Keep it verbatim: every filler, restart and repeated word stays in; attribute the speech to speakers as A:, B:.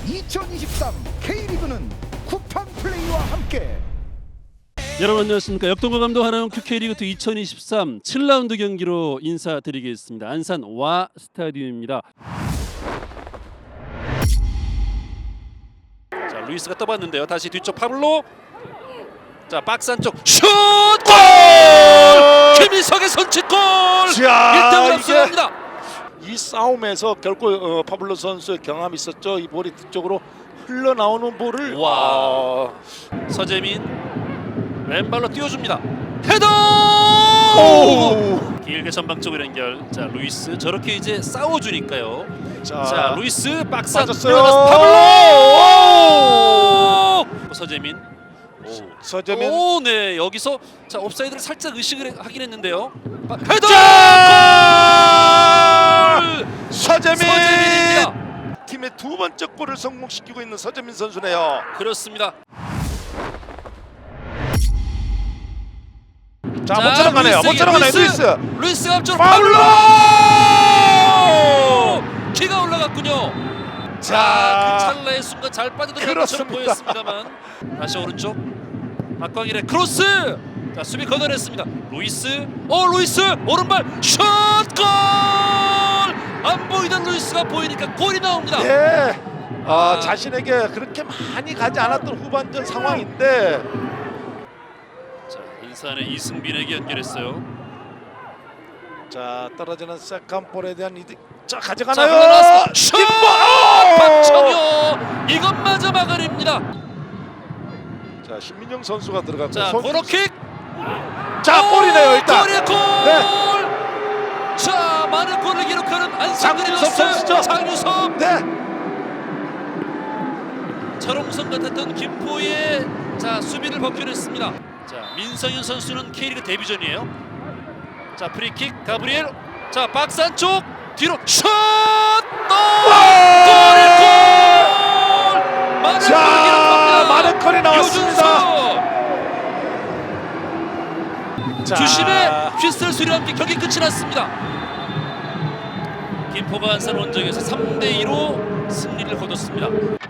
A: 이천이십삼 K리그는 쿠팡 플레이와 함께.
B: 여러분 안녕하십니까. 역동과 감독하는 큐케이리그투 이천이십삼 칠 라운드 경기로 인사드리겠습니다. 안산 와 스타디움입니다. 자, 루이스가 떠봤는데요. 다시 뒤쪽 파블로. 자, 박스 안쪽 슛! 골! 김희석의 선취골! 일 대 일 앞서갑니다.
C: 이 싸움에서 결코 어, 파블로 선수의 경험이 있었죠. 이 볼이 뒤쪽으로 흘러나오는 볼을
B: 와. 서재민 왼발로 띄워줍니다. 헤더!
C: 오!
B: 길게 전방쪽으로 연결. 자, 루이스 저렇게 이제 싸워주니까요.
C: 자,
B: 자, 루이스 박스 안
C: 빠졌어요.
B: 들어가서 파블로! 서재민. 오.
C: 서재민
B: 오, 네. 여기서 자, 옵사이드를 살짝 의식을 하긴 했는데요. 아, 헤더! 골!
C: 서재민
B: 서재민입니다.
C: 팀의 두 번째 골을 성공시키고 있는 서재민 선수네요.
B: 그렇습니다.
C: 자, 못 들어가네요. 못 들어가네요. 루이스.
B: 루이스 앞쪽
C: 파블로!
B: 파블로! 키가 올라갔군요. 자,
C: 자,
B: 그 찰나의 순간 잘 빠져들어간 것처럼
C: 그렇습니다.
B: 보였습니다만 다시 오른쪽 박광일의 크로스. 자, 수비 걷어냈습니다. 루이스, 어 루이스 오른발 슛! 골! 안 보이던 루이스가 보이니까 골이 나옵니다.
C: 예. 아,
B: 아.
C: 자신에게 그렇게 많이 가지 않았던 후반전 상황인데
B: 자, 인산의 이승빈에게 연결했어요.
C: 자, 떨어지는 세컨 볼에 대한 이득. 자,
B: 자,
C: 가져가나요?
B: 흘러나왔습니다. 슛!
C: 김보!
B: 박청효 이것마저 막아냅니다.
C: 자, 신민영 선수가 들어갔고
B: 자,
C: 손-
B: 코너킥.
C: 자, 골이네요, 일단.
B: 골이에요, 골!
C: 네.
B: 자, 많은 골을 기록하는 안산
C: 장유섭 선수죠.
B: 그리너스 장유섭.
C: 네.
B: 철옹성 같았던 김포의 자 수비를 벗겨냈습니다. 자, 민성현 선수는 K리그 데뷔전이에요. 자, 프리킥 가브리엘. 자, 박스 안쪽 뒤로 슛! 또 골이 골! 많은
C: 자,
B: 골을 기록합니다.
C: 많은 골이 나왔습니다. 자,
B: 주심의 휘슬 소리와 함께 경기 끝이 났습니다. 김포가 안산 원정에서 삼 대 이로 승리를 거뒀습니다.